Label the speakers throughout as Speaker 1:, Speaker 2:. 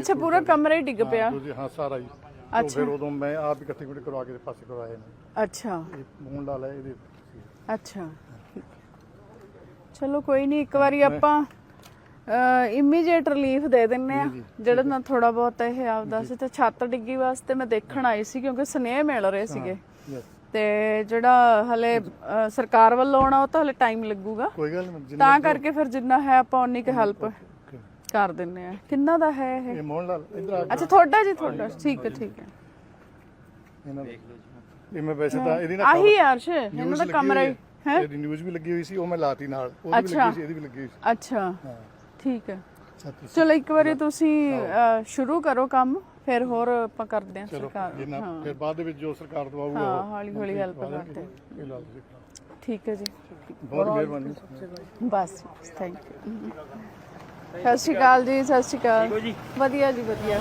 Speaker 1: ਅੱਛਾ ਪੂਰਾ ਕਮਰਾ ਹੀ ਡਿੱਗ ਪਿਆ।
Speaker 2: ਹਾਂ ਸਾਰਾ ਹੀ। तो फिर उदों मैं आप इकट्ठे मिनट करवा के पासे करवाए ने।
Speaker 1: अच्छा
Speaker 2: मून ला ले ਇਹਦੇ।
Speaker 1: अच्छा ਚਲੋ ਕੋਈ ਨਹੀਂ ਇੱਕ ਵਾਰੀ ਆਪਾਂ ਇਮੀਡੀਏਟ ਰਿਲੀਫ ਦੇ ਦਿੰਨੇ ਆ ਜਿਹੜਾ ਨਾ ਥੋੜਾ ਬਹੁਤ ਇਹ ਆਪਦਾ ਸੀ ਤੇ ਛੱਤ ਡਿੱਗੀ ਵਾਸਤੇ ਮੈਂ ਦੇਖਣ ਆਈ ਸੀ ਕਿਉਂਕਿ ਸੁਨੇਹੇ ਮਿਲ ਰਹੇ ਸੀਗੇ ਤੇ ਜਿਹੜਾ ਹਲੇ ਸਰਕਾਰ ਵੱਲੋਂ ਆਉਣਾ ਉਹ ਤਾਂ ਹਲੇ ਟਾਈਮ ਲੱਗੂਗਾ
Speaker 2: ਕੋਈ ਗੱਲ ਨਹੀਂ
Speaker 1: ਤਾਂ ਕਰਕੇ ਫਿਰ ਜਿੰਨਾ ਹੈ ਆਪਾਂ ਉਨੀ ਕੁ ਹੈਲਪ ਕਰ ਦਿੰਨੇ ਆ। ਕਿੰਨਾ ਦਾ ਹੈ ਇਹ
Speaker 2: ਮੋਹਨ ਲਾਲ ਇਧਰ ਆ।
Speaker 1: ਅੱਛਾ ਤੁਹਾਡਾ ਜੀ ਤੁਹਾਡਾ ਠੀਕ ਹੈ ਠੀਕ ਹੈ।
Speaker 2: ਇਹਨਾਂ ਦੇਖ ਲਓ ਜੀ। ਇਹ ਮੈਂ ਵੈਸੇ ਤਾਂ ਇਹਦੀ ਨਾ
Speaker 1: ਆਹੀ ਅਰਸ਼ ਇਹਨਾਂ ਦਾ ਕਮਰਾ ਹੀ ਹੈ।
Speaker 2: ਇਹਦੀ ਨਿਊਜ਼ ਵੀ ਲੱਗੀ ਹੋਈ ਸੀ ਉਹ ਮੈਂ ਲਾਤੀ ਨਾਲ ਉਹ ਵੀ ਲੱਗੀ ਸੀ ਇਹਦੀ ਵੀ ਲੱਗੀ ਹੋਈ ਸੀ।
Speaker 1: ਅੱਛਾ ਠੀਕ ਹੈ ਚਲੋ ਇੱਕ ਵਾਰੀ ਤੁਸੀਂ ਸ਼ੁਰੂ ਕਰੋ ਕੰਮ ਫਿਰ ਹੋਰ ਆਪਾਂ ਕਰਦੇ ਹਾਂ ਸਰਕਾਰ
Speaker 2: ਫਿਰ ਬਾਅਦ ਦੇ ਵਿੱਚ ਜੋ ਸਰਕਾਰ ਦਵਾਊਗਾ
Speaker 1: ਹਾਂ ਹੌਲੀ ਹੌਲੀ ਹੈਲਪ ਕਰਦੇ
Speaker 2: ਇਹ ਲਾ ਦਿਓ।
Speaker 1: ਠੀਕ ਹੈ ਜੀ
Speaker 2: ਬਹੁਤ ਮਿਹਰਬਾਨੀ
Speaker 1: ਬਸ ਥੈਂਕ ਯੂ। ਸਤਿ ਸ਼੍ਰੀ ਅਕਾਲ ਜੀ। ਸਤਿ ਸ਼੍ਰੀ ਅਕਾਲ ਵਧੀਆ ਜੀ ਵਧੀਆ।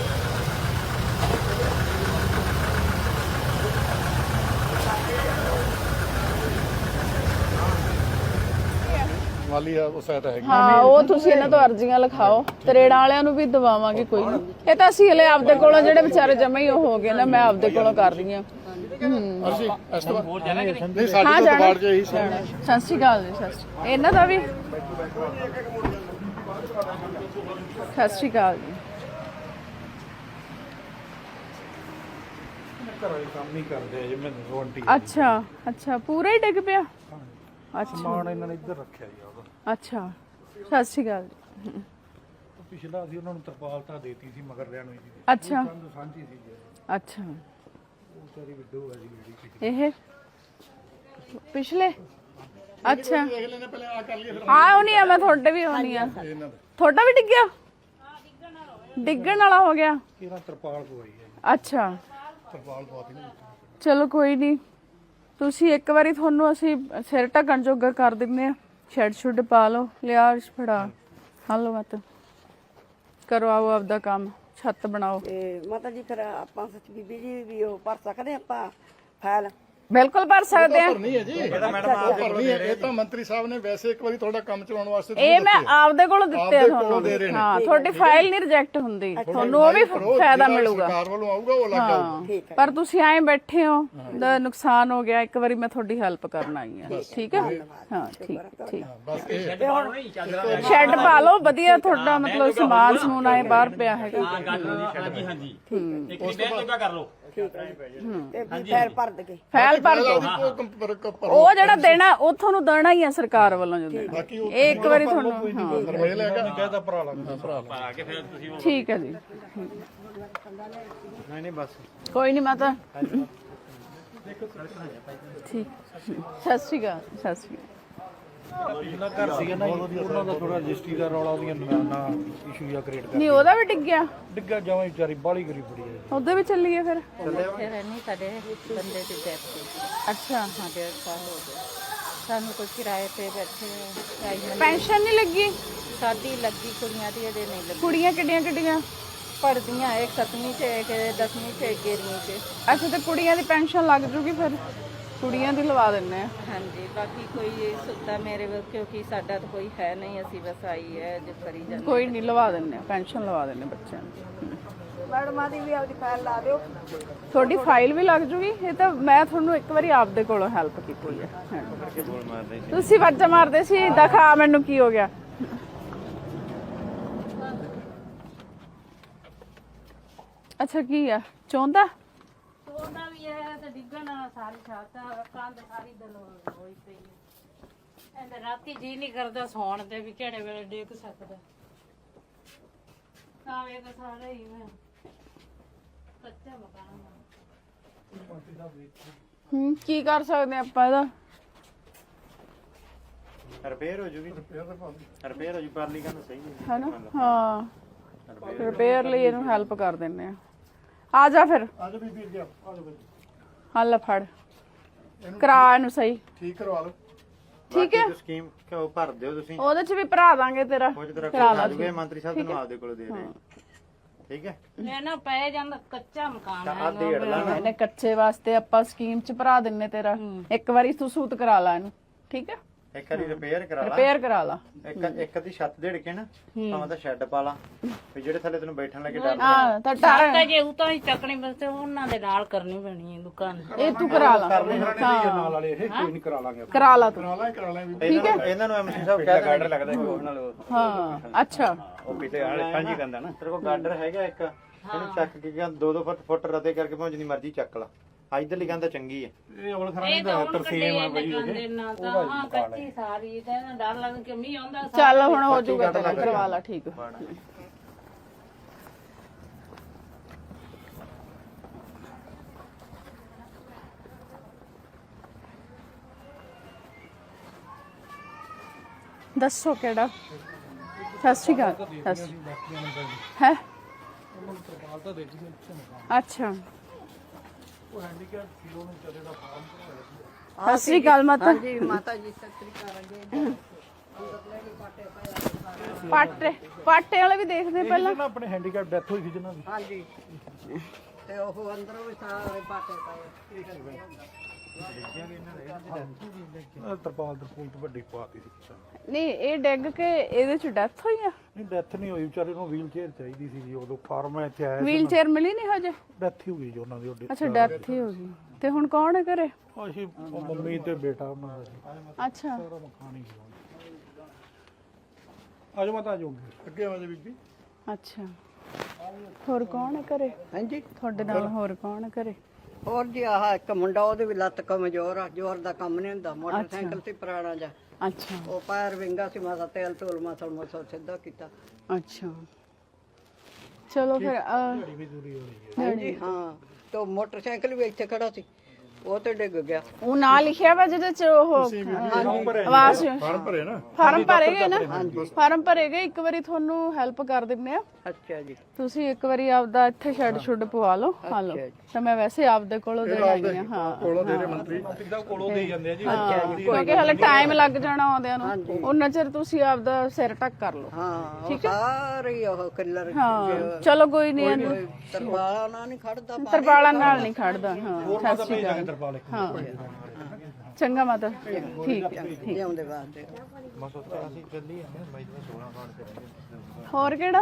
Speaker 2: ਵਾਲੀ ਆ ਉਹ ਸਾਈਟ ਹੈਗੀ।
Speaker 1: ਹਾਂ ਉਹ ਤੁਸੀਂ ਇਹਨਾਂ ਤੋਂ ਅਰਜ਼ੀਆਂ ਲਿਖਾਓ ਤਰੇੜਾਂ ਵਾਲਿਆਂ ਨੂੰ ਵੀ ਦਵਾਵਾਂਗੇ ਕੋਈ ਨਹੀਂ। ਇਹ ਤਾਂ ਅਸੀਂ ਹਲੇ ਆਪਦੇ ਕੋਲੋਂ ਜਿਹੜੇ ਵਿਚਾਰੇ ਜਮਾ ਹੀ ਉਹ ਹੋ ਗਏ ਨਾ ਮੈਂ ਆਪਦੇ ਕੋਲੋਂ ਕਰ ਰਹੀ ਹਾਂ।
Speaker 2: ਅਸੀਂ ਇਸ ਤੋਂ ਨਹੀਂ ਸਾਡੇ ਤੋਂ ਬਾੜ ਜੇ ਹੀ
Speaker 1: ਸਤਿ ਸ਼੍ਰੀ ਅਕਾਲ ਜੀ। ਸਤਿ ਸ਼੍ਰੀ ਇਹਨਾਂ ਦਾ ਵੀ ਸਤਿ ਸ਼੍ਰੀ ਅਕਾਲ ਜੀ।
Speaker 2: ਘਰਾਂ ਦੇ ਕੰਮ ਨਹੀਂ ਕਰਦੇ ਜੇ ਮੈਂ ਰੋਂਟੀ।
Speaker 1: ਅੱਛਾ ਅੱਛਾ ਪੂਰਾ ਹੀ ਡਿੱਗ ਪਿਆ। ਅੱਛਾ
Speaker 2: ਸਮਾਨ ਇਹਨਾਂ ਨੇ ਇੱਧਰ ਰੱਖਿਆ ਜੀ ਉਹਦਾ।
Speaker 1: ਅੱਛਾ ਸਤਿ ਸ਼੍ਰੀ ਅਕਾਲ ਜੀ।
Speaker 2: ਪਿਛਲਾ ਅਸੀਂ ਉਹਨਾਂ ਨੂੰ ਤਰਪਾਲ ਤਾਂ ਦੇਤੀ ਸੀ ਮਗਰ ਲੈਣ ਹੋਈ ਸੀ।
Speaker 1: ਅੱਛਾ
Speaker 2: ਸਾਂਝੀ ਸੀ ਜੀ।
Speaker 1: ਅੱਛਾ
Speaker 2: ਉਹ ਸਾਰੀ ਵਿਡੋ ਹੈ ਜੀ
Speaker 1: ਇਹ ਪਿਛਲੇ ਅੱਛਾ
Speaker 2: ਦੇਖ ਲੈਣੇ ਪਹਿਲੇ ਆ ਕਰ ਲਈਏ ਫਿਰ
Speaker 1: ਹਾਂ ਉਹ ਨਹੀਂ ਆ ਮੈਂ ਤੁਹਾਡੇ ਵੀ ਹੋਣੀ ਆ। ਤੁਹਾਡਾ ਵੀ ਡਿੱਗਿਆ ਡਿੱਗਣ ਵਾਲਾ ਹੋ ਗਿਆ।
Speaker 2: ਇਹਨਾਂ ਤਰਪਾਲ ਪਵਾਈ ਹੈ।
Speaker 1: ਅੱਛਾ
Speaker 2: ਤਰਪਾਲ ਪਵਾਤੀ ਨਾ।
Speaker 1: ਚਲੋ ਕੋਈ ਨਹੀਂ ਤੁਸੀਂ ਇੱਕ ਵਾਰੀ ਤੁਹਾਨੂੰ ਅਸੀਂ ਸਿਰ ਢੱਕਣ ਜੋਗਾ ਕਰ ਦਿੰਦੇ ਆ। ਸ਼ੈਡ ਸ਼ੁੱਡ ਪਾ ਲਓ ਲਿਆ ਫੜਾ ਹਲੋ ਮਤ ਕਰੋ ਆਓ ਆਪਦਾ ਕੰਮ ਛੱਤ ਬਣਾਓ।
Speaker 3: ਤੇ ਮਾਤਾ ਜੀ ਫਿਰ ਆਪਾਂ ਸੱਚ ਬੀਬੀ ਜੀ ਵੀ ਉਹ ਭਰ ਸਕਦੇ ਆਪਾਂ ਫਾਈਲ।
Speaker 1: ਬਿਲਕੁਲ ਭਰ ਸਕਦੇ ਆ।
Speaker 2: ਭਰਨੀ ਹੈ ਜੀ ਇਹ ਤਾਂ ਮੈਡਮ ਆਪ ਭਰਨੀ ਹੈ। ਇਹ ਤਾਂ ਮੰਤਰੀ ਸਾਹਿਬ ਨੇ ਵੈਸੇ ਇੱਕ ਵਾਰੀ ਤੁਹਾਡਾ ਕੰਮ ਚਲਾਉਣ ਵਾਸਤੇ
Speaker 1: ਇਹ ਮੈਂ ਆਪਦੇ ਕੋਲੋਂ ਦਿੱਤੇ ਆ ਤੁਹਾਨੂੰ। ਹਾਂ ਤੁਹਾਡੀ ਫਾਈਲ ਨਹੀਂ ਰਿਜੈਕਟ ਹੁੰਦੀ ਤੁਹਾਨੂੰ ਉਹ ਵੀ ਫਾਇਦਾ ਮਿਲੂਗਾ।
Speaker 2: ਸਰਕਾਰ ਵੱਲੋਂ ਆਊਗਾ ਉਹ ਲੱਗ ਜਾਊਗਾ।
Speaker 1: ਪਰ ਤੁਸੀਂ ਐਂ ਬੈਠੇ ਹੋ ਦਾ ਨੁਕਸਾਨ ਹੋ ਗਿਆ ਇੱਕ ਵਾਰੀ ਮੈਂ ਤੁਹਾਡੀ ਹੈਲਪ ਕਰਨ ਆਈ ਆ। ਠੀਕ ਹੈ ਹਾਂ ਠੀਕ ਠੀਕ
Speaker 2: ਬਸ ਇਹ
Speaker 1: ਸ਼ੈੱਡ ਪਾ ਲਓ ਵਧੀਆ ਤੁਹਾਡਾ ਮਤਲਬ ਸਮਾਨ ਸਮੂਨ ਆਏ ਬਾਹਰ ਪਿਆ ਹੈਗਾ।
Speaker 4: ਹਾਂਜੀ ਹਾਂਜੀ ਇੱਕ ਮਿੰਟ ਜੋਗਾ ਕਰ ਲਓ।
Speaker 3: ਤੇ ਫਾਈਲ ਭਰ ਦੇ
Speaker 1: ਫਾਈਲ ਭਰ ਕੇ ਉਹ ਜਿਹੜਾ ਦੇਣਾ ਉਹ ਤੁਹਾਨੂੰ ਦੇਣਾ ਹੀ ਆ ਸਰਕਾਰ ਵੱਲੋਂ ਜੋ ਦੇਣਾ ਇਹ ਇੱਕ ਵਾਰੀ ਤੁਹਾਨੂੰ ਹਾਂ
Speaker 2: ਫਰਮੇਲ ਹੈਗਾ ਕਹਿੰਦਾ ਭਰਾ ਲੱਗਦਾ ਭਰਾ
Speaker 4: ਆ ਕੇ ਫਿਰ ਤੁਸੀਂ
Speaker 1: ਠੀਕ ਹੈ ਜੀ।
Speaker 2: ਨਹੀਂ ਨਹੀਂ ਬਸ
Speaker 1: ਕੋਈ ਨਹੀਂ ਮਾਤਾ ਠੀਕ ਸਤਿ ਸ਼੍ਰੀ ਅਕਾਲ ਸਤਿ ਸ਼੍ਰੀ ਅਕਾਲ।
Speaker 2: ਪਿਛਲਾ ਘਰ ਸੀਗਾ ਨਾ ਉਹਨਾਂ ਦਾ ਥੋੜਾ ਰਜਿਸਟਰੀ ਦਾ ਰੌਲਾ ਉਹਦੀਆਂ ਨਾ ਇਸ਼ੂ ਜਾਂ ਕ੍ਰੀਏਟ ਕਰ
Speaker 1: ਨਹੀਂ ਉਹਦਾ ਵੀ ਡਿੱਗਿਆ
Speaker 2: ਡਿੱਗਾ ਜਾਵਾਂ ਵਿਚਾਰੀ ਬਾਲੀ ਗਰੀ ਪੜੀ ਹੈ।
Speaker 1: ਉਹਦੇ ਵੀ ਚੱਲੀਏ ਫਿਰ
Speaker 5: ਫਿਰ ਨਹੀਂ ਸਾਡੇ ਬੰਦੇ ਦੀ ਡੈਥ ਹੋਈ।
Speaker 1: ਅੱਛਾ
Speaker 5: ਹਾਂ 1.5 ਸਾਲ ਹੋ ਗਏ ਸਾਨੂੰ ਕੋਈ ਕਿਰਾਏ ਤੇ ਬੈਠੇ
Speaker 1: ਪੈਨਸ਼ਨ ਨਹੀਂ ਲੱਗੀ
Speaker 5: ਸਾਡੀ ਲੱਗੀ ਕੁੜੀਆਂ ਦੀ ਅਜੇ ਨਹੀਂ ਲੱਗੀ।
Speaker 1: ਕੁੜੀਆਂ ਕਿੱਡੀਆਂ ਕਿੱਡੀਆਂ
Speaker 5: ਪੜ੍ਹਦੀਆਂ ਇੱਕ 7ਵੀਂ ਚ ਇੱਕ 10ਵੀਂ ਚ 11ਵੀਂ ਚ।
Speaker 1: ਅੱਛਾ ਤੇ ਕੁੜੀਆਂ ਦੀ ਪੈਨਸ਼ਨ ਲੱਗ ਜੂਗੀ ਫਿਰ ਕੁੜੀਆਂ ਦੀ ਲਵਾ ਦਿੰਨੇ ਆ।
Speaker 5: ਹਾਂਜੀ ਬਾਕੀ ਕੋਈ ਸੁੱਤਾ ਮੇਰੇ ਵੱਲ ਕਿਉਂਕਿ ਸਾਡਾ ਤਾਂ ਕੋਈ ਹੈ ਨਹੀਂ ਅਸੀਂ ਬਸ ਆਈ ਹੈ ਜੋ ਕਰੀ ਜਾਂਦੇ।
Speaker 1: ਕੋਈ ਨਹੀਂ ਲਵਾ ਦਿੰਨੇ ਆ ਪੈਨਸ਼ਨ ਲਵਾ ਦਿੰਨੇ ਬੱਚਿਆਂ ਦੀ।
Speaker 3: ਮੈਡਮਾਂ ਦੀ ਵੀ ਆਪਦੀ ਫਾਈਲ ਲਾ ਦਿਓ।
Speaker 1: ਤੁਹਾਡੀ ਫਾਈਲ ਵੀ ਲੱਗ ਜੂਗੀ। ਇਹ ਤਾਂ ਮੈਂ ਤੁਹਾਨੂੰ ਇੱਕ ਵਾਰੀ ਆਪਦੇ ਕੋਲੋਂ ਹੈਲਪ ਕੀਤੀ ਹੈ। ਤੁਸੀਂ ਵਾਜਾ ਮਾਰਦੇ ਸੀ ਦਿਖਾ ਮੈਨੂੰ ਕੀ ਹੋ ਗਿਆ। ਅੱਛਾ ਕੀ ਆ ਚਾਹੁੰਦਾ
Speaker 5: ਉਹਦਾ ਵੀ ਹੈ ਤੇ ਡਿੱਗਣ ਸਾਰੀ ਛੱਤ ਕੰਧ ਸਾਰੀ ਦਿਨ ਹੋਈ ਪਈ ਹੈ। ਇਹਦੇ ਰਾਤੀ ਜੀ ਨਹੀਂ ਕਰਦਾ ਸੌਣ ਤੇ ਵੀ ਕਿਹੜੇ ਵੇਲੇ ਡਿੱਗ ਸਕਦਾ। ਆਵੇ ਤਾਂ ਸਾਰਾ ਹੀ ਮੈਂ ਕੱਚਾ ਮਕਾਨ
Speaker 1: ਕੀ ਕਰ ਸਕਦੇ ਆਪਾਂ ਇਹਦਾ
Speaker 4: ਰਿਪੇਅਰ ਹੋ ਜੂਗੀ ਰਿਪੇਅਰ ਹੋ ਜੂ ਪਰਲੀ ਕੰਨ ਸਹੀ ਹੈ
Speaker 1: ਹੈਨਾ ਹਾਂ ਰਿਪੇਅਰ ਲਈ ਇਹਨੂੰ ਹੈਲਪ ਕਰ ਦਿੰਨੇ ਆ ਜਾ ਫਿਰ
Speaker 2: ਆ ਜਾ ਬੀਬੀ ਅੱਗੇ ਆ ਜਾ ਬੀਬੀ
Speaker 1: ਹੱਲ ਫੜ ਕਰਾ ਇਹਨੂੰ ਸਹੀ
Speaker 2: ਠੀਕ ਕਰਵਾ ਲਓ।
Speaker 1: ਠੀਕ ਹੈ
Speaker 4: ਸਕੀਮ ਕਿਉਂ ਭਰ ਦਿਓ ਤੁਸੀਂ
Speaker 1: ਉਹਦੇ ਚ ਵੀ ਭਰਾ ਦਾਂਗੇ ਤੇਰਾ
Speaker 4: ਕੁਝ ਤਰ੍ਹਾਂ ਕਰਾ ਦੂਗੇ ਮੰਤਰੀ ਸਾਹਿਬ ਤੁਹਾਨੂੰ ਆਪਦੇ ਕੋਲ ਦੇ ਰਹੇ ਠੀਕ ਹੈ।
Speaker 5: ਮੈਂ ਨਾ ਪੈ ਜਾਂਦਾ ਕੱਚਾ ਮਕਾਨ ਹੈ।
Speaker 4: ਆ ਡੇਢ ਲਾ ਨਾ
Speaker 1: ਇਹਨੇ ਕੱਚੇ ਵਾਸਤੇ ਆਪਾਂ ਸਕੀਮ ਚ ਭਰਾ ਦਿੰਨੇ ਤੇਰਾ ਇੱਕ ਵਾਰੀ ਤੂੰ ਸੂਤ ਕਰਾ ਲਾ ਇਹਨੂੰ ਠੀਕ ਹੈ
Speaker 4: ਇੱਕ ਵਾਰੀ ਰਿਪੇਅਰ ਕਰਾ ਲਾ
Speaker 1: ਰਿਪੇਅਰ ਕਰਾ ਲਾ।
Speaker 4: ਇੱਕ ਦੀ ਛੱਤ ਦੇੜ ਕੇ ਨਾ ਭਾਵੇਂ ਤਾਂ ਸ਼ੈੱਡ ਪਾ ਲਾ ਵੀ ਜਿਹੜੇ ਥੱਲੇ ਤੈਨੂੰ ਬੈਠਣ ਲੱਗੇ ਡਰ
Speaker 1: ਹਾਂ ਤਾਂ
Speaker 5: ਤਾਂ ਜੇ ਉਹ ਤਾਂ ਹੀ ਚੱਕਣੀ ਬਸ ਉਹਨਾਂ ਦੇ ਨਾਲ ਕਰਨੀ ਪੈਣੀ ਹੈ ਦੁਕਾਨ।
Speaker 1: ਇਹ ਤੂੰ ਕਰਾ ਲਾ।
Speaker 2: ਨਾਲ ਵਾਲੇ ਇਹ ਕੋਈ ਨਹੀਂ ਕਰਾ ਲਾਂਗੇ
Speaker 1: ਕਰਾ ਲਾ ਤੂੰ।
Speaker 4: ਇਹਨਾਂ ਨੂੰ ਐਮਸੀ ਸਾਹਿਬ ਕਹਿ ਗਾਰਡਰ ਲੱਗਦਾ ਕੋਈ ਨਾਲ
Speaker 1: ਹਾਂ ਅੱਛਾ
Speaker 4: ਉਹ ਪਿੱਛੇ ਆਲੇ ਸਾਂਝੀ ਕੰਦਾ ਨਾ ਤੇਰੇ ਕੋਲ ਗਾਰਡਰ ਹੈਗਾ ਇੱਕ ਇਹਨੂੰ ਚੱਕ ਕੇ 2-2 ਫੁੱਟ ਰਤੇ ਕਰਕੇ ਭਾਵੇਂ ਜਿੰਨੀ ਮਰਜ਼ੀ ਚੱਕ ਲਾ ਇਧਰਲੀ ਕੰਦਾ ਚੰਗੀ ਹੈ
Speaker 2: ਇਹ ਔਲ ਖਰਾਣੀ
Speaker 5: ਇਹ ਤਾਂ ਹੁਣ ਕੱਢੇ ਨੇ ਨਾ ਤਾਂ ਹਾਂ ਕੱਚੀ ਸਾਰੀ ਤੇ ਇਹਨਾਂ ਡਰ ਲੱਗਦਾ ਕਿ ਮੀਂਹ ਆਉਂਦਾ
Speaker 1: ਚੱਲ ਹੁਣ ਹੋ ਜਾਊਗਾ ਤੇਰਾ, ਕਰਵਾ ਲਾ। ਠੀਕ ਦੱਸੋ ਕਿਹੜਾ? ਸਤਿ ਸ਼੍ਰੀ ਅਕਾਲ। ਹੈ ਅੱਛਾ
Speaker 2: ਉਹ ਹੈਂਡੀਕੈਪ ਕਿਲੋ ਨੂੰ ਚੱਲੇ ਦਾ ਫਾਰਮ
Speaker 1: ਸਤਿ ਸ਼੍ਰੀ ਅਕਾਲ ਮਾਤਾ
Speaker 3: ਜੀ ਮਾਤਾ ਜੀ ਸਤਿ ਸ੍ਰੀ ਅਕਾਲ ਜੀ।
Speaker 1: ਪਾਟੇ ਵਾਲੇ ਵੀ ਦੇਖਦੇ ਪਹਿਲਾਂ।
Speaker 2: ਨਾ ਆਪਣੇ ਹੈਂਡੀਕੈਪ ਡੈਥ ਹੋਈ ਸੀ ਜਿਹਨਾਂ ਦੀ।
Speaker 3: ਹਾਂਜੀ ਤੇ ਉਹ ਅੰਦਰੋਂ ਵੀ ਸਾਰੇ ਪਾਟੇ ਪਏ।
Speaker 2: ਤਰਪਾਲ ਤੋਂ ਵੱਡੀ ਪਾਤੀ ਸੀ।
Speaker 1: ਨਹੀਂ ਇਹ ਡਿੱਗ ਕੇ ਇਹਦੇ ਚ ਡੈਥ ਹੋਈ ਆ?
Speaker 2: ਨਹੀਂ ਡੈਥ ਨਹੀਂ ਹੋਈ, ਵਿਚਾਰੇ ਨੂੰ ਵੀਲ ਚੇਅਰ ਚਾਹੀਦੀ ਸੀ ਜੀ ਉਦੋਂ ਫਾਰਮ ਇੱਥੇ ਆਇਆ
Speaker 1: ਵੀਲ ਚੇਅਰ ਮਿਲੀ ਨਹੀਂ ਹਜੇ?
Speaker 2: ਡੈਥ ਹੀ ਹੋ ਗਈ ਜੀ ਉਹਨਾਂ ਦੀ।
Speaker 1: ਅੱਛਾ ਡੈਥ ਹੀ ਹੋ ਗਈ। ਤੇ ਹੁਣ ਕੌਣ ਹੈ ਘਰੇ?
Speaker 2: ਅਸੀਂ ਮੰਮੀ ਤੇ ਬੇਟਾ ਉਹਨਾਂ ਦਾ ਜੀ।
Speaker 1: ਅੱਛਾ
Speaker 2: ਸਾਰਾ ਮਕਾਨ ਹੀ ਗਿਆ। ਆਜੋ ਮਾਤਾ ਆਜੋ ਅੱਗੇ ਆਵਾਜ਼ ਬੀਬੀ।
Speaker 1: ਅੱਛਾ ਹੋਰ ਕੌਣ ਹੈ ਘਰੇ?
Speaker 3: ਹਾਂਜੀ
Speaker 1: ਤੁਹਾਡੇ ਨਾਲ ਹੋਰ ਕੌਣ ਹੈ ਘਰੇ?
Speaker 3: ਹੋਰ ਜੀ ਆਹ ਇੱਕ ਮੁੰਡਾ ਉਹਦੇ ਵੀ ਲੱਤ ਕਮਜ਼ੋਰ ਆ, ਜ਼ੋਰ ਦਾ ਕੰਮ ਨਹੀਂ ਹੁੰਦਾ। ਮੋਟਰਸਾਈਕਲ ਤੇ ਪੁਰਾਣਾ ਜਾ
Speaker 1: ਅੱਛਾ
Speaker 3: ਉਹ ਪੈਰ ਵਿੰਗਾ ਸੀ, ਮਾਸਾ ਤੇਲ ਧੂਲ ਮਸਲ ਮਸਲ ਸਿੱਧਾ ਕੀਤਾ।
Speaker 1: ਅੱਛਾ ਚਲੋ ਫਿਰ
Speaker 3: ਹਾਂਜੀ ਹਾਂ ਤੇ ਮੋਟਰਸਾਈਕਲ ਵੀ ਇੱਥੇ ਖੜਾ ਸੀ, ਉਹ ਤੇ ਡਿੱਗ ਗਿਆ।
Speaker 1: ਉਹ ਨਾਂ ਲਿਖਿਆ ਵਾ ਜਿਹਦੇ ਚ ਉਹ ਆਵਾਜ਼
Speaker 2: ਫਾਰਮ ਭਰੇ ਨਾ।
Speaker 1: ਫਾਰਮ ਭਰੇਗੇ ਨਾ? ਫਾਰਮ ਭਰੇਗੇ। ਇੱਕ ਵਾਰੀ ਤੁਹਾਨੂੰ ਹੈਲਪ ਕਰ ਦਿੰਨੇ ਆ।
Speaker 3: ਅੱਛਾ ਜੀ
Speaker 1: ਤੁਸੀਂ ਇੱਕ ਵਾਰੀ ਆਪਦਾ ਇੱਥੇ ਸ਼ੈੱਡ ਸ਼ੁੱਡ ਪਵਾ ਲਓ। ਹਾਂ ਲਓ ਤਾਂ ਮੈਂ ਵੈਸੇ ਆਪਦੇ ਕੋਲੋਂ ਦੇ ਆਈ ਆ। ਹਾਂ
Speaker 2: ਕੋਲੋਂ ਦੇ ਰਹੇ ਮੰਤਰੀ ਦਾ ਕੋਲੋਂ ਦੇ ਜਾਂਦੇ ਆ ਜੀ।
Speaker 1: ਕਿਉਂਕਿ ਹਲੇ ਟਾਈਮ ਲੱਗ ਜਾਣਾ ਆਉਂਦਿਆਂ ਨੂੰ। ਉਹਨਾਂ ਚਿਰ ਤੁਸੀਂ ਆਪਦਾ ਸਿਰ ਢੱਕ ਕਰ ਲਓ।
Speaker 3: ਹਾਂ ਉਹ ਸਾਰੇ ਉਹ ਕਿੱਲਰ
Speaker 1: ਹਾਂ ਚਲੋ ਕੋਈ ਨਹੀਂ। ਇਹਨੂੰ
Speaker 3: ਤਰਪਾਲਾ ਨਾਲ ਨਹੀਂ ਖੜਦਾ,
Speaker 1: ਤਰਪਾਲਾਂ ਨਾਲ ਨਹੀਂ ਖੜਦਾ। ਹਾਂ ਸਤਿ ਸ਼੍ਰੀ ਅਕਾਲ।
Speaker 2: ਤਰਪਾਲ
Speaker 1: ਹਾਂ ਚੰਗਾ ਮਾਤਾ ਠੀਕ ਹੈ ਠੀਕ।
Speaker 3: ਲਿਆਉਂਦੇ ਵਾਸਤੇ।
Speaker 4: ਬਸ ਉੱਥੇ ਅਸੀਂ ਚੱਲੀ ਆ ਬਾਈ ਦੇ 16 ਕਾਰਡ ਤੇ
Speaker 1: ਹੋਰ ਕਿਹੜਾ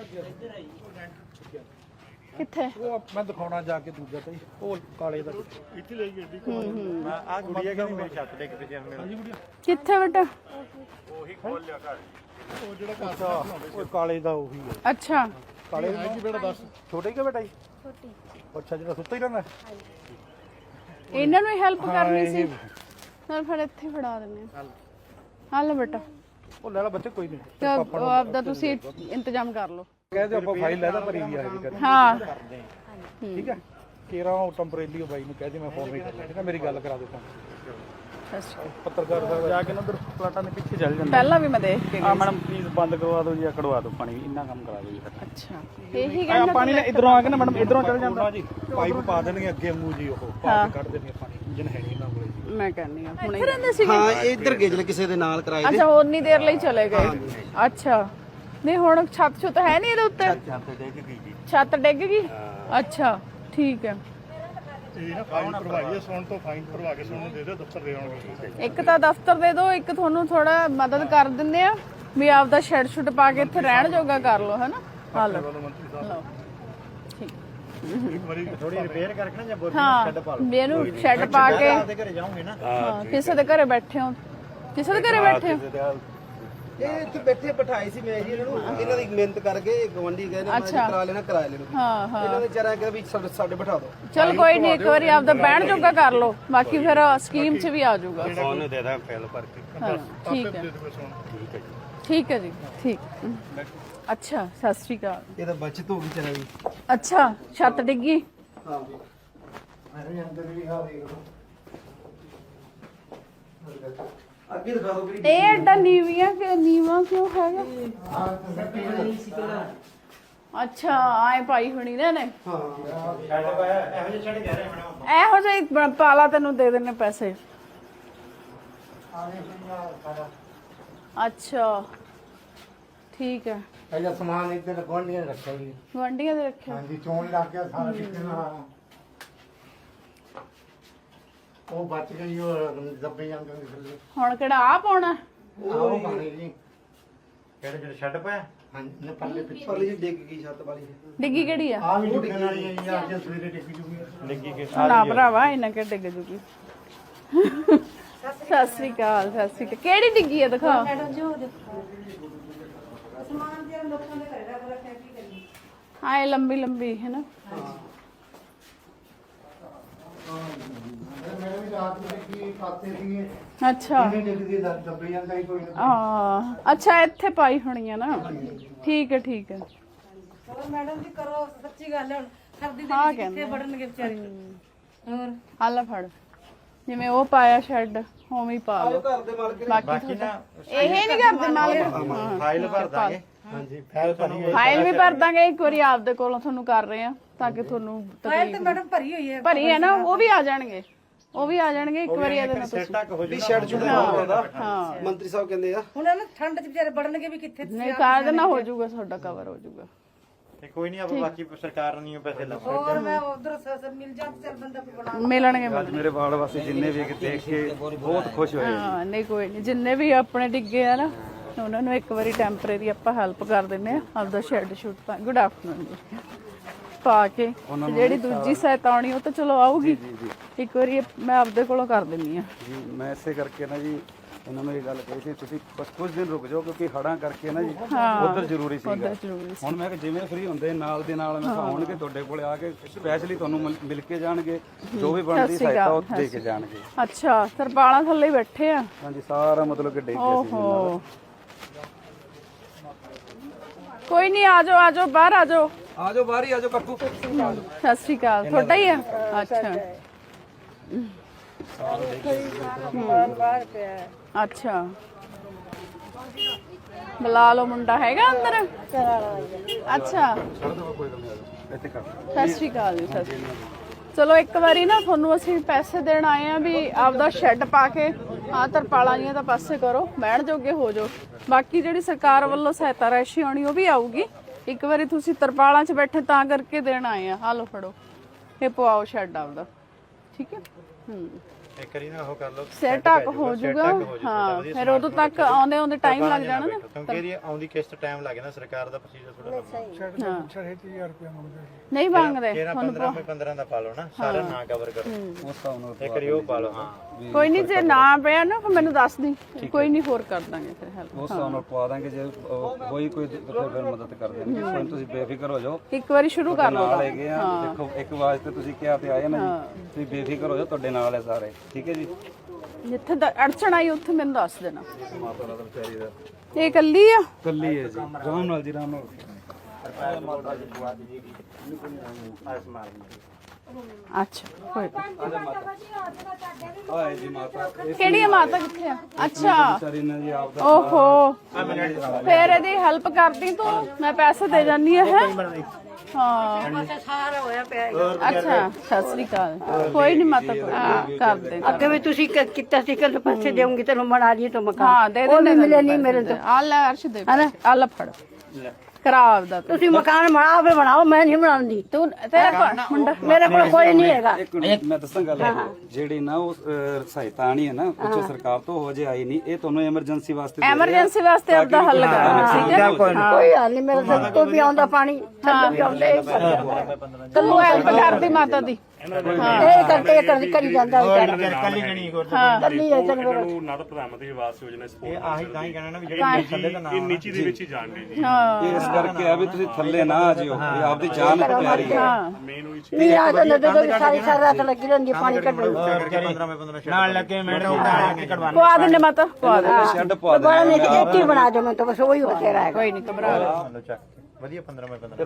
Speaker 1: ਕਿੱਥੇ?
Speaker 2: ਉਹ ਮੈਂ ਦਿਖਾਉਣਾ ਜਾ ਕੇ ਦੂਜਾ ਤੇ ਉਹ ਕਾਲੇ ਦਾ ਇੱਥੇ ਲੈ ਗਈ
Speaker 4: ਆ ਗੁੜੀਆ ਕਹਿੰਦੀ ਮੇਰੀ ਛੱਤ ਡਿੱਗ ਪਈ ਜਿਵੇਂ ਮੇਰੀ
Speaker 1: ਕਿੱਥੇ ਬੇਟਾ?
Speaker 4: ਉਹੀ ਖੋਲ ਲਿਆ ਘਰ
Speaker 2: ਉਹ ਜਿਹੜਾ ਘਰ ਉਹ ਕਾਲੇ ਦਾ ਉਹੀ ਹੈ।
Speaker 1: ਅੱਛਾ
Speaker 2: ਕਾਲੇ ਦਾ ਕੀ ਬੇਟਾ ਦੱਸ ਛੋਟਾ ਹੀ ਕਿ ਬੇਟਾ ਜੀ? ਛੋਟੀ। ਅੱਛਾ ਜਿਹੜਾ ਸੁੱਤਾ ਹੀ ਰਹਿੰਦਾ।
Speaker 1: ਇਹਨਾਂ ਨੂੰ ਹੀ ਹੈਲਪ ਕਰਨੀ ਸੀ। ਨਾਲ ਫਿਰ ਇੱਥੇ ਫੜਾ ਦਿੰਨੇ ਆ। ਹੱਲ ਬੇਟਾ
Speaker 2: ਉਹ ਲੈ ਲਾ ਬੱਚੇ ਕੋਈ ਨਹੀਂ।
Speaker 1: ਤੇ ਆਪਦਾ ਤੁਸੀਂ ਇੰਤਜ਼ਾਮ ਕਰ ਲਓ।
Speaker 2: ਕਹਿੰਦੇ ਆਪਾਂ ਫਾਈਲ ਲੈ ਦਾ ਭਰੀ ਵੀ ਆਏਗੀ ਕਰ।
Speaker 1: ਹਾਂ
Speaker 2: ਠੀਕ ਹੈ ਕੇਰਾ ਉਹ ਟੈਂਪਰੇਰੀ ਬਾਈ ਨੂੰ ਕਹਿ ਦੇ ਮੈਂ ਫੋਨ ਵੀ ਕਰ ਲਿਆ। ਠੀਕ ਹੈ ਮੇਰੀ ਗੱਲ ਕਰਾ ਦੇ ਪੱਤਰਕਾਰ ਸਾਹਿਬ ਜਾ ਕੇ ਨਾ ਉਧਰ ਪਲਾਟਾਂ ਦੇ ਪਿੱਛੇ ਚੱਲ ਜਾਂਦਾ।
Speaker 1: ਪਹਿਲਾਂ ਵੀ ਮੈਂ ਦੇਖ ਕੇ
Speaker 2: ਆ ਮੈਡਮ ਪਲੀਜ਼ ਬੰਦ ਕਰਵਾ ਦਿਓ ਜੀ, ਕਢਵਾ ਦਿਓ ਪਾਣੀ। ਇੰਨਾ ਕੰਮ ਕਰਾ ਦਿਓ ਜੀ।
Speaker 1: ਅੱਛਾ ਇਹੀ
Speaker 2: ਆ
Speaker 1: ਕਹਿੰਦਾ
Speaker 2: ਪਾਣੀ ਇਧਰੋਂ ਆ ਕੇ ਨਾ ਮੈਡਮ ਇਧਰੋਂ ਚੱਲ ਜਾਂਦਾ ਜੀ। ਪਾਈਪ ਪਾ ਦੇਣਗੇ ਅੱਗੇ ਮੂੰਹ ਜੀ ਉਹ ਪਾ ਕੇ ਕੱਢ ਦੇਣਗੇ ਪਾਣੀ। ਇੰਜਨ ਹੈ ਨਹੀਂ ਇਹਨਾਂ ਕੋਲੇ ਜੀ।
Speaker 1: ਮੈਂ ਕਹਿੰਦੀ ਆ ਹੁਣੇ ਰਹਿੰਦੇ ਸੀਗੇ।
Speaker 6: ਹਾਂ ਇੱਧਰ ਗੇਜਲ ਕਿਸੇ ਦੇ ਨਾਲ ਕਰਾਏ ਦੇ।
Speaker 1: ਅੱਛਾ ਉਨੀ ਦੇਰ ਲਈ ਚਲੇ ਗਏ। ਅੱਛਾ ਨਹੀਂ ਹੁਣ ਛੱਤ ਛੁੱਤ ਹੈ ਨਹੀਂ ਇਹਦੇ ਉੱਤੇ? ਛੱਤ ਡਿੱਗ ਗਈ। ਅੱਛਾ ਠੀਕ ਹੈ।
Speaker 2: ਇਹ ਨਾ ਫਾਈਨ ਭਰਵਾਈਏ ਸੁਣ ਤੋਂ ਫਾਈਨ ਭਰਵਾ ਕੇ ਸੁਣ ਨੂੰ ਦੇ ਦਿਓ ਦਫ਼ਤਰ ਦੇ ਆਉਣਗੇ।
Speaker 1: ਇੱਕ ਤਾਂ ਦਫ਼ਤਰ ਦੇ ਦਿਓ, ਇੱਕ ਤੁਹਾਨੂੰ ਥੋੜਾ ਮਦਦ ਕਰ ਦਿੰਦੇ ਆ ਵੀ ਆਪਦਾ ਸ਼ੈੱਡ ਸ਼ੁੱਡ ਪਾ ਕੇ ਇੱਥੇ ਰਹਿਣ ਜੋਗਾ ਕਰ ਲਓ ਹੈ ਨਾ। ਹਾਂ ਲਓ ਲਓ ਠੀਕ।
Speaker 2: ਇੱਕ ਵਾਰੀ
Speaker 4: ਥੋੜੀ ਰਿਪੇਅਰ ਕਰਕੇ ਨਾ ਜਾਂ ਬੋਰੀ
Speaker 1: ਹਾਂ
Speaker 4: ਛੱਡ ਪਾ ਲਓ।
Speaker 1: ਵੀ ਇਹਨੂੰ ਸ਼ੈੱਡ ਪਾ ਕੇ
Speaker 4: ਆਪਦੇ ਘਰੇ ਜਾਓਗੇ ਨਾ
Speaker 1: ਹਾਂ ਕਿਸੇ ਦੇ ਘਰੇ ਬੈਠੇ ਹੋ। ਕਿਸੇ ਦੇ ਘਰੇ ਬੈਠੇ ਹੋ?
Speaker 6: ਇਹ ਇੱਥੇ ਬੈਠੇ ਬਿਠਾਏ ਸੀ ਮੈਂ ਜੀ ਇਹਨਾਂ ਨੂੰ। ਇਹਨਾਂ ਦੀ ਮਿਹਨਤ ਕਰਕੇ ਗਵੰਡੀ ਗਏ ਨੇ ਮੈਂ ਕਰਾ ਲੈਣਾ ਕਿਰਾਏ ਲੈ ਲਓ।
Speaker 1: ਹਾਂ ਹਾਂ
Speaker 6: ਇਹਨਾਂ ਨੇ ਵਿਚਾਰਾ ਕਿਹਾ ਵੀ ਸਾਡੇ ਬਿਠਾ ਦਿਓ।
Speaker 1: ਚਲ ਕੋਈ ਨਹੀਂ ਇੱਕ ਵਾਰੀ ਆਪਦਾ ਬਹਿਣ ਜੋਗਾ ਕਰ ਲਓ, ਬਾਕੀ ਫਿਰ ਸਕੀਮ 'ਚ ਵੀ ਆ ਜਾਊਗਾ।
Speaker 4: ਫੋਨ ਦੇ ਦਾਂ ਫੈਲ ਭਰ ਕੇ
Speaker 1: ਹਾਂ ਠੀਕ ਹੈ ਠੀਕ ਹੈ ਜੀ ਠੀਕ। ਅੱਛਾ ਸਤਿ ਸ਼੍ਰੀ ਅਕਾਲ।
Speaker 6: ਇਹ ਤਾਂ ਬਚਤ ਹੋ ਗਈ ਚਲਾ ਜੀ।
Speaker 1: ਅੱਛਾ ਛੱਤ ਡਿੱਗੀ।
Speaker 6: ਹਾਂ ਜੀ ਮੈਂ ਅੰਦਰ ਵੀ ਆ ਦੇਖ ਲਓ। ਅੱਗੇ ਦਿਖਾ ਦਿਓ ਕਿਹੜੀ।
Speaker 1: ਇਹ ਐਡਾ ਨੀਵੀਆਂ ਕਿ ਨੀਵਾ ਕਿਉਂ ਹੈਗਾ? ਅੱਛਾ ਆਏ ਪਾਈ ਹੋਣੀ ਨੇ ਨੇ।
Speaker 6: ਹਾਂ
Speaker 4: ਛੱਡ ਪਾਇਆ ਇਹੋ ਜਿਹੇ ਛੱਡ ਕਹਿ ਰਹੇ ਹੁਣ
Speaker 1: ਇਹੋ ਜਿਹੀ ਪਾਲਾ ਤੈਨੂੰ ਦੇ ਦੇਣੇ ਪੈਸੇ। ਅੱਛਾ ਠੀਕ ਹੈ।
Speaker 7: ਪਹਿਲਾਂ ਸਮਾਨ ਇੱਧਰ ਗੁਆਂਢੀਆਂ ਨੇ ਰੱਖਿਆ ਜੀ।
Speaker 1: ਗੁਆਂਢੀਆਂ ਦੇ ਰੱਖਿਆ।
Speaker 7: ਹਾਂਜੀ ਚੋਣ ਲੱਗ ਗਿਆ ਸਾਰਾ ਕਿਤੇ ਨਾ। ਉਹ ਬਚ ਗਈ ਉਹ ਦੱਬੇ ਜਾਂਦੇ ਹੁੰਦੇ ਥੱਲੇ
Speaker 1: ਹੁਣ ਕਿਹੜਾ ਆ ਪਾਉਣਾ?
Speaker 7: ਉਹ ਪਾਣੀ ਜੀ
Speaker 4: ਕਿਹੜੇ ਜਿਹੜੇ ਛੱਡ ਪਿਆ
Speaker 7: ਹਾਂਜੀ ਪੱਲੇ ਪਿੱਛੇ
Speaker 6: ਪਰਲੀ ਜੀ ਡਿੱਗ ਗਈ ਛੱਤ ਵਾਲੀ
Speaker 1: ਡਿੱਗੀ ਕਿਹੜੀ ਆ?
Speaker 7: ਆ ਵੀ ਡਿੱਗਣ ਵਾਲੀ ਹੈ ਜੀ ਅੱਜ ਸਵੇਰੇ ਡਿੱਗ ਜੂਗੀ
Speaker 4: ਡਿੱਗੀ ਕੇ
Speaker 1: ਨਾ ਭਰਾਵਾ ਇਹਨਾਂ ਕਿ ਡਿੱਗ ਜੂਗੀ। ਸਤਿ ਸ੍ਰੀ ਅਕਾਲ, ਸਤਿ ਸ੍ਰੀ ਅਕਾਲ। ਕਿਹੜੀ ਡਿੱਗੀ ਆ ਦਿਖਾ। ਹਾਂ ਇਹ ਲੰਬੀ ਲੰਬੀ ਹੈ ਨਾ।
Speaker 7: ਮੇਰੇ ਵੀ ਰਾਤ ਨੂੰ ਡਿੱਗੀ ਪਾਤੇ ਸੀਗੇ
Speaker 1: ਅੱਛਾ
Speaker 7: ਕਿੰਨੇ ਡਿੱਗਦੀ ਦੱਬੇ ਜਾਂਦਾ ਹੀ ਕੋਈ
Speaker 1: ਅੱਛਾ ਇੱਥੇ ਪਾਈ ਹੋਣੀ ਆ ਨਾ। ਠੀਕ ਹੈ ਠੀਕ ਹੈ।
Speaker 5: ਹੋਰ ਮੈਡਮ ਜੀ ਕਰੋ, ਸੱਚੀ ਗੱਲ ਹੈ। ਹੁਣ ਸਰਦੀ ਦੇ
Speaker 1: ਹਾਂ
Speaker 5: ਵਿੱਚ
Speaker 1: ਕਹਿੰਦੇ
Speaker 5: ਕਿੱਥੇ ਵੜਨਗੇ ਵਿਚਾਰੇ। ਹੋਰ
Speaker 1: ਆਲਾ ਫੜ, ਜਿਵੇਂ ਉਹ ਪਾਇਆ ਸ਼ੈੱਡ ਉਵੇਂ ਹੀ ਪਾ ਲਓ।
Speaker 6: ਘਰ ਦੇ ਮਾਲਕ
Speaker 1: ਬਾਕੀ ਇਹ ਨਹੀਂ ਕਰਦੇ ਮਾਲਕ।
Speaker 4: ਫਾਈਲ ਭਰ ਦਾਂਗੇ
Speaker 7: ਹਾਂਜੀ ਫੈਲ ਭਰੀ
Speaker 1: ਫਾਈਲ ਵੀ ਭਰ ਦਾਂਗੇ ਇੱਕ ਵਾਰੀ ਆਪਦੇ ਕੋਲੋਂ ਤੁਹਾਨੂੰ ਕਰ ਰਹੇ ਆ ਤਾਂ ਕਿ ਤੁਹਾਨੂੰ
Speaker 5: ਫਾਈਲ ਤੇ ਮੈਡਮ ਭਰੀ ਹੋਈ ਹੈ।
Speaker 1: ਭਰੀ ਹੈ ਨਾ, ਉਹ ਵੀ ਆ ਜਾਣਗੇ, ਉਹ ਵੀ ਆ ਜਾਣਗੇ ਇੱਕ ਵਾਰੀ ਇਹਦੇ ਨਾਲ ਤੁਸੀਂ।
Speaker 4: ਤੱਕ ਹੋ
Speaker 6: ਵੀ ਸ਼ੈਡ ਛੁੱਟ ਹੁੰਦਾ
Speaker 1: ਹਾਂ
Speaker 6: ਮੰਤਰੀ ਸਾਹਿਬ ਕਹਿੰਦੇ ਆ
Speaker 5: ਹੁਣ ਇਹਨਾਂ ਠੰਡ 'ਚ ਵਿਚਾਰੇ ਵੜਨਗੇ ਵੀ ਕਿੱਥੇ।
Speaker 1: ਨਹੀਂ ਕਰ ਦੇਣਾ, ਹੋ ਜਾਊਗਾ, ਤੁਹਾਡਾ ਕਵਰ ਹੋ ਜਾਊਗਾ।
Speaker 4: ਤੇ ਕੋਈ ਨਹੀਂ ਆਪਾਂ ਬਾਕੀ ਸਰਕਾਰ ਨੂੰ ਪੈਸੇ ਲਾਵਾਂਗੇ।
Speaker 5: ਹੋਰ ਮੈਂ ਉਧਰ ਸਰ ਮਿਲ ਜਾਂ ਚੱਲ ਬੰਦਾ ਕੋਈ ਬਣਾ।
Speaker 1: ਮਿਲਣਗੇ
Speaker 2: ਮੇਰੇ ਵਾਰਡ ਵਾਸੀ ਜਿੰਨੇ ਵੀ ਦੇਖ ਕੇ ਬਹੁਤ ਖੁਸ਼ ਹੋਏ।
Speaker 1: ਹਾਂ ਨਹੀਂ ਕੋਈ ਨਹੀਂ, ਜਿੰਨੇ ਵੀ ਆਪਣੇ ਡਿੱਗੇ ਆ ਨਾ ਉਹਨਾਂ ਨੂੰ ਇੱਕ ਵਾਰੀ ਟੈਂਪਰੇਰੀ ਆਪਾਂ ਹੈਲਪ ਕਰ ਦਿੰਨੇ ਆ ਆਪਦਾ ਸ਼ੈੱਡ ਸ਼ੂਟ ਪਾ। ਗੁੱਡ ਆਫਟਰਨੂਨ ਜੀ ਪਾ ਕੇ ਤੇ ਜਿਹੜੀ ਦੂਜੀ ਸਹਾਇਤਾ ਆਉਣੀ ਉਹ ਤਾਂ ਚਲੋ ਆਊਗੀ। ਇੱਕ ਵਾਰੀ ਮੈਂ ਆਪਦੇ ਕੋਲੋਂ ਕਰ ਦਿੰਨੀ ਆ
Speaker 2: ਜੀ ਮੈਂ ਇਸੇ ਕਰਕੇ ਨਾ ਜੀ ਇਹਨਾਂ ਨੂੰ ਇਹ ਗੱਲ ਕਹੀ ਸੀ ਤੁਸੀਂ ਬਸ ਕੁਝ ਦਿਨ ਰੁਕ ਜਾਓ ਕਿਉਂਕਿ ਹੜਾਂ ਕਰਕੇ ਨਾ ਜੀ ਉਧਰ ਜ਼ਰੂਰੀ ਸੀਗਾ।
Speaker 1: ਉਹਦਾ ਜ਼ਰੂਰੀ
Speaker 2: ਹੁਣ ਮੈਂ ਕਿ ਜਿਵੇਂ ਫ੍ਰੀ ਹੁੰਦੇ ਨਾਲ ਦੇ ਨਾਲ ਮੈਂ ਆਉਣਗੇ ਤੁਹਾਡੇ ਕੋਲੇ ਆ ਕੇ ਸਪੈਸ਼ਲੀ ਤੁਹਾਨੂੰ ਮਿਲ ਕੇ ਜਾਣਗੇ, ਜੋ ਵੀ ਬਣਦੀ ਸਹਾਇਤਾ ਉਹ ਦੇ ਕੇ ਜਾਣਗੇ।
Speaker 1: ਅੱਛਾ ਤਰਪਾਲਾਂ ਥੱਲੇ ਹੀ ਬੈਠੇ ਆ।
Speaker 2: ਹਾਂਜੀ ਸਾਰਾ ਮਤਲਬ ਕਿ ਡਿੱਗ ਗਿਆ ਸੀ
Speaker 1: ਓਹੋ ਕੋਈ ਨਹੀਂ, ਆ ਜਾਓ ਆ ਜਾਓ, ਬਾਹਰ ਆ ਜਾਓ।
Speaker 6: ਆ ਜਾਓ ਬਾਹਰ ਹੀ ਆ ਜਾਓ ਕੱਕੂ।
Speaker 1: ਸਤਿ ਸ਼੍ਰੀ ਅਕਾਲ। ਤੁਹਾਡਾ ਹੀ ਆ? ਅੱਛਾ ਅੱਛਾ ਬੁਲਾ ਲਓ, ਮੁੰਡਾ ਹੈਗਾ ਅੰਦਰ? ਅੱਛਾ
Speaker 2: ਇੱਥੇ ਕਰ
Speaker 1: ਸਤਿ ਸ਼੍ਰੀ ਅਕਾਲ ਜੀ। ਸਤਿ ਸ਼੍ਰੀ ਅਕਾਲ। ਚਲੋ ਇੱਕ ਵਾਰੀ ਨਾ ਤੁਹਾਨੂੰ ਅਸੀਂ ਪੈਸੇ ਦੇਣ ਆਏ ਆ ਵੀ ਆਪਦਾ ਸ਼ੈੱਡ ਪਾ ਕੇ ਆਹ ਤਰਪਾਲਾਂ ਜੀਆਂ ਤਾਂ ਪਾਸੇ ਕਰੋ, ਬਹਿਣ ਜੋਗੇ ਹੋ ਜਾਓ। ਬਾਕੀ ਜਿਹੜੀ ਸਰਕਾਰ ਵੱਲੋਂ ਸਹਾਇਤਾ ਰਾਸ਼ੀ ਆਉਣੀ ਉਹ ਵੀ ਆਊਗੀ। ਇੱਕ ਵਾਰੀ ਤੁਸੀਂ ਤਰਪਾਲਾਂ 'ਚ ਬੈਠੇ ਤਾਂ ਕਰਕੇ ਦੇਣ ਆਏ ਆ। ਹਾਲੋ ਫੜੋ, ਇਹ ਪਵਾਓ ਸ਼ੈੱਡ ਆਪਦਾ, ਠੀਕ ਹੈ।
Speaker 4: ਇੱਕ ਵਾਰੀ ਨਾ ਉਹ ਕਰ ਲਓ,
Speaker 1: ਸਿਰ ਢੱਕ ਹੋ ਜਾਊਗਾ। ਹਾਂ ਫਿਰ ਉਦੋਂ ਤੱਕ ਆਉਂਦੇ ਟਾਈਮ ਲੱਗ ਜਾਣਾ ਨਾ,
Speaker 4: ਕਿਉਂਕਿ ਇਹਦੀ ਆਉਂਦੀ ਕਿਸ਼ਤ ਟਾਈਮ ਲੱਗੇ ਨਾ। ਸਰਕਾਰ ਦਾ ਪ੍ਰੋਸੀਜਰ ਥੋੜਾ ਲੰਮਾ।
Speaker 2: 6000 ਰੁਪਏ ਮੰਗਦੇ
Speaker 1: ਨਹੀਂ ਮੰਗਦੇ।
Speaker 4: 15 ਦਾ ਪਾ ਲਓ ਨਾ, ਸਾਰਾ ਨਾ ਕਵਰ ਕਰੋ।
Speaker 2: ਉਸ ਹਿਸਾਬ ਨਾਲ
Speaker 4: ਇੱਕ ਵਾਰੀ ਉਹ ਪਾ ਲਓ। ਹਾਂ
Speaker 1: ਕੋਈ ਨਹੀਂ, ਜੇ ਨਾ ਪਿਆ ਨਾ ਫਿਰ ਮੈਨੂੰ ਦੱਸ ਦੀ, ਕੋਈ ਨਹੀਂ ਹੋਰ ਕਰ ਦਾਂਗੇ ਫਿਰ ਹੈਲਪ।
Speaker 2: ਉਸ ਹਿਸਾਬ ਨਾਲ ਪਵਾ ਦਾਂਗੇ। ਜੇ ਹੋਈ ਕੋਈ ਫਿਰ ਮਦਦ ਕਰ ਦੇਣਗੇ। ਕੋਈ ਤੁਸੀਂ ਬੇਫਿਕਰ ਹੋ ਜਾਓ,
Speaker 1: ਇੱਕ ਵਾਰੀ ਸ਼ੁਰੂ ਕਰ ਲਓ।
Speaker 2: ਨਾਲ ਹੈਗੇ ਆ। ਦੇਖੋ ਇੱਕ ਵਾਸਤੇ ਤੁਸੀਂ ਕਿਹਾ ਤੇ ਆਏ ਨਾ ਜੀ, ਤੁਸੀਂ ਬੇਫਿਕਰ ਹੋ ਜਾਓ, ਤੁਹਾਡੇ ਨਾਲ ਹੈ ਸਾਰੇ, ਠੀਕ ਹੈ ਜੀ।
Speaker 1: ਜਿੱਥੇ ਅੜਚਣ ਆਈ ਉੱਥੇ ਮੈਨੂੰ ਦੱਸ ਦੇਣਾ।
Speaker 2: ਮਾਤਾ ਦਾ ਵਿਚਾਰੀ ਦਾ
Speaker 1: ਇਹ ਇਕੱਲੀ ਆ?
Speaker 2: ਕੱਲੀ ਹੈ ਜੀ। ਆਰਾਮ ਨਾਲ ਜੀ, ਆਰਾਮ ਨਾਲ।
Speaker 1: ਅੱਛਾ ਕੋਈ
Speaker 2: ਆਏ ਜੀ ਮਾਤਾ
Speaker 1: ਕਿਹੜੀ ਆ ਮਾਤਾ, ਕਿੱਥੇ ਆ? ਅੱਛਾ
Speaker 2: ਵਿਚਾਰੀ ਨੇ ਜੀ ਆਪ ਦਾ
Speaker 1: ਓਹੋ ਫੇਰ ਇਹਦੀ ਹੈਲਪ ਕਰਦੀ ਤੂੰ, ਮੈਂ ਪੈਸੇ ਦੇ ਜਾਨੀ ਆ। ਹੈ ਹਾਂ
Speaker 3: ਸਾਰਾ ਹੋਇਆ ਪਿਆ
Speaker 1: ਅੱਛਾ ਸਤਿ ਸ੍ਰੀ ਅਕਾਲ। ਕੋਈ ਨਹੀਂ ਮਾਤਾ ਕੋਈ ਕਰ ਦੇ।
Speaker 3: ਅੱਗੇ ਵੀ ਤੁਸੀਂ ਕੀਤਾ ਸੀ ਕਿ ਪੈਸੇ ਦੇਉਂਗੀ ਤੈਨੂੰ ਬਣਾ ਲਈ ਤਾਂ ਮਕਾਨ।
Speaker 1: ਹਾਂ ਦੇ ਦੇ, ਮਿਲੇ ਨਹੀਂ ਮੇਰੇ ਤੋਂ। ਆ ਲੈ ਅਰਸ਼ ਦੇ, ਆ ਲੈ ਫੜ ਖਰਾਬ ਦਾ
Speaker 3: ਤੁਸੀਂ ਮਕਾਨ ਬਣਾਓ ਬਣਾਓ, ਮੈਂ ਨਹੀਂ ਬਣਾਉਂਦੀ।
Speaker 1: ਤੂੰ ਤੇਰਾ ਮੁੰਡਾ
Speaker 3: ਮੇਰੇ ਕੋਲ ਕੋਈ ਨਹੀਂ ਹੈਗਾ।
Speaker 2: ਇੱਕ ਮਿੰਟ ਮੈਂ ਦੱਸਾਂ ਗੱਲ ਜਿਹੜੀ ਨਾ ਉਹ ਸਹਾਇਤਾ ਆਣੀ ਹੈ ਨਾ ਉੱਚੋ ਸਰਕਾਰ ਤੋਂ ਹੋ ਜੇ ਆਈ ਨਹੀਂ, ਇਹ ਤੁਹਾਨੂੰ ਐਮਰਜੈਂਸੀ ਵਾਸਤੇ ਦੇ ਰਹੇ ਆ।
Speaker 1: ਐਮਰਜੈਂਸੀ ਵਾਸਤੇ ਆਪਦਾ ਹੱਲ ਕਰਨਾ, ਠੀਕ ਹੈ।
Speaker 3: ਕੋਈ ਹਾਲ ਨਹੀਂ, ਮੇਰੇ ਸਿਰ ਤੋਂ ਵੀ ਆਉਂਦਾ ਪਾਣੀ, ਥੱਲੇ ਵੀ ਆਉਂਦੇ।
Speaker 1: ਤੂੰ ਹੈਲਪ ਕਰਦੀ ਮਾਤਾ ਦੀ।
Speaker 3: ਇਹ ਕਰਕੇ ਕਰੀ ਜਾਂਦਾ
Speaker 4: ਕੱਲੀ ਜਣੀ ਹੋਰ
Speaker 3: ਕੱਲੀ ਹੈ ਚਲ
Speaker 8: ਨਾ ਤਾਂ ਪ੍ਰਧਾਨ ਮੰਤਰੀ ਆਵਾਸ ਯੋਜਨਾ
Speaker 4: ਇਹ ਆਹੀ ਤਾਂ ਹੀ ਕਹਿਣਾ ਨਾ ਵੀ ਜਿਹੜੇ ਥੱਲੇ ਦਾ ਨਾਮ
Speaker 8: ਨੀਚੀ ਦੇ ਵਿੱਚ ਹੀ ਜਾਣ ਦੇ
Speaker 1: ਹਾਂ
Speaker 2: ਇਹ ਇਸ ਕਰਕੇ ਆ ਵੀ ਤੁਸੀਂ ਥੱਲੇ ਨਾ ਆ ਜਿਓ, ਇਹ ਆਪਦੀ ਜਾਨ ਪਿਆਰੀ ਹੈ।
Speaker 8: ਮੇਨ ਉਹੀ
Speaker 3: ਨਹੀਂ ਆ ਤਾਂ ਨਦੋਂ ਸਾਰੀ ਰਾਤ ਲੱਗੀ ਰਹਿੰਦੀ ਪਾਣੀ ਕੱਢਣ।
Speaker 4: 15 ਨਾਲ ਲੱਗੇ ਮੈਡਮ
Speaker 1: ਪਵਾ ਦਿੰਦੇ ਮਾਤਾ, ਪਵਾ ਦੇ।
Speaker 2: ਸ਼ੈੱਡ ਪਵਾ ਦੇ।
Speaker 3: ਬੜਾ ਨਹੀਂ ਇੱਕ ਹੀ ਬਣਾ ਦੋ, ਮੈਂ ਤਾਂ ਬਸ ਉਹੀ ਹੋ ਤੇਰਾ ਹੈ।
Speaker 1: ਕੋਈ ਨਹੀਂ ਘਬਰਾ।
Speaker 4: ਵਧੀਆ 15 ਮੈਂ 15